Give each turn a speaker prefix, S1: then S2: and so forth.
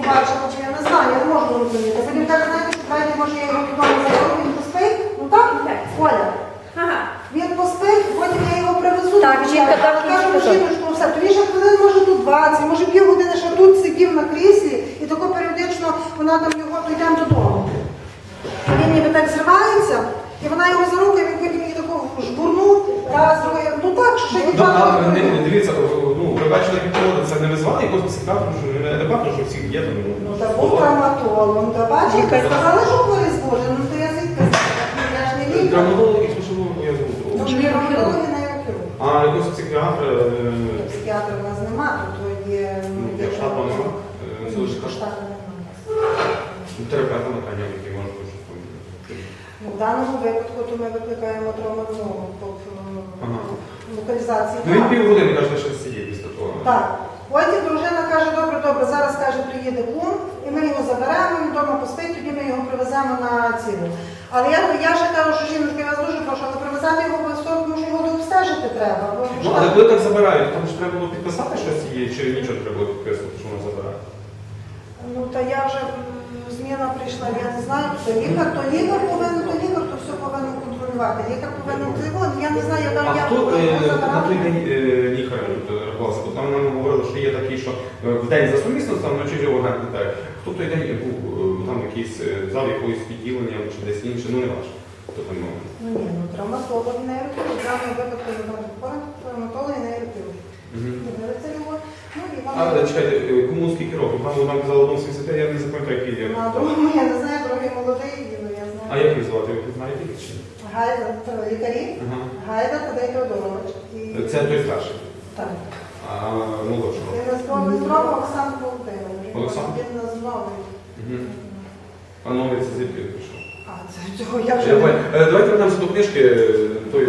S1: бачила, чи я не знаю, я не можу розуміти. Потім каже, знаєте, що давайте, може, я його вдома заберу, він поспить. Ну так, Оля.
S2: Ага.
S1: Він поспить, потім я його привезу.
S2: Так, жінка там
S1: кажу,
S2: дуже
S1: жіночку, все. Тоді ще хвилин, може, тут 20, може, півгодини ще тут сидів на кріслі, і тако періодично вона там його, то йдемо додому. Він ніби так зривається, і вона його за руку, і він потім її тако жбурнув, раз, другий. Ну так, що ще дівчата.
S3: Дивіться, ви бачили, як проводить, це не визвали якогось психіатра, що не адекватно, що всіх є там.
S1: Ну, та був травматолог, та бачите, сказали, що хворий зможе, ну то я звідки знаю, я ж не лікар.
S3: Травматолог і слушав, я
S1: Ну,
S3: звук.
S1: травматолог і нейрохірург.
S3: А якогось психіатра...
S1: Психіатра в нас немає, тут є...
S3: Як штату нема?
S1: Штату немає.
S3: Терапевта на коня, який може щось помітити.
S1: Ну, в даному випадку то ми викликаємо травматолога по локалізації.
S3: Ну він півгодини, каже, що сидіть після того.
S1: Так. Потім дружина каже, добре, зараз, каже, приїде кум, і ми його заберемо, він вдома поспить, тоді ми його привеземо на цілу. Але я ще кажу, що жіночка, я вас дуже прошу, але привезати його обов'язково, тому що його дообстежити треба.
S3: Ну, але коли так забирають, там ж треба було підписати щось є, чи нічого не треба було підписувати, що вона забирає?
S1: Ну, та я вже, зміна прийшла, я не знаю, то лікар повинен, то все повинен контролювати. Лікар повинен контролювати, я не знаю,
S3: А
S1: я
S3: хто на той день лікар рахувався? Бо там нам говорили, що є такий, що в день за сумісності, там вночі агент не так. Хто той день був там якийсь зал якогось відділення, чи десь інше, ну не важко. Хто там мав?
S1: Ну ні, ну травматолог і нейрохірург, в даному випадку травматолог і нейрохірург. Дивиться його, ну і вам...
S3: А, чекайте, кому скільки років? Там нам казали, одному 70, я не запам'ятаю, який є.
S1: На другому я не знаю, другий молодий, ну я знаю.
S3: А як їх звати? Ви знаєте їх чи ні?
S1: Гайда, лікарі,
S3: Ага.
S1: Гайда Тадей Теодорович.
S3: Це той старший.
S1: Так.
S3: А молодшого?
S1: Він зробив Оксану Володимирович.
S3: Олександр?
S1: Він нас новий.
S3: А новий це звідки прийшов?
S1: А, це цього я вже...
S3: Давайте вернемося до книжки.